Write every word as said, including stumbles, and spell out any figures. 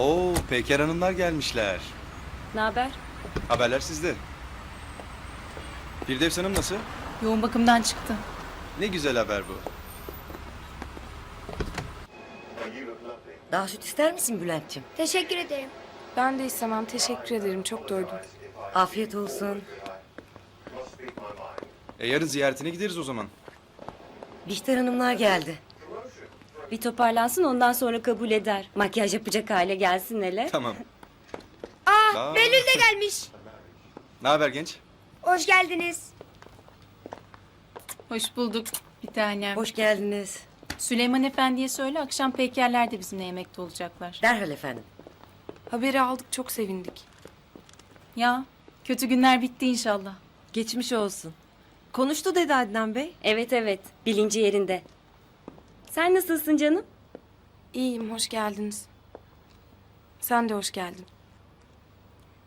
Oo, Peyker Hanımlar gelmişler. Ne haber? Haberler sizde. Firdevs Hanım nasıl? Yoğun bakımdan çıktı. Ne güzel haber bu. Daha süt ister misin Bülent'ciğim? Teşekkür ederim. Ben de istemem. Teşekkür ederim. Çok doydum. Afiyet olsun. E yarın ziyaretine gideriz o zaman. Bihter Hanımlar geldi. Bir toparlansın ondan sonra kabul eder. Makyaj yapacak hale gelsin hele. Tamam. Aa, Aa. Behlül de gelmiş. Ne haber genç? Hoş geldiniz. Hoş bulduk bir tanem. Hoş geldiniz. Süleyman Efendi'ye söyle akşam Peykerler de bizimle yemekte olacaklar. Derhal efendim. Haberi aldık. Çok sevindik. Ya kötü günler bitti inşallah. Geçmiş olsun. Konuştu dedi Adnan Bey. Evet evet bilinci yerinde. Sen nasılsın canım? İyiyim. Hoş geldiniz. Sen de hoş geldin.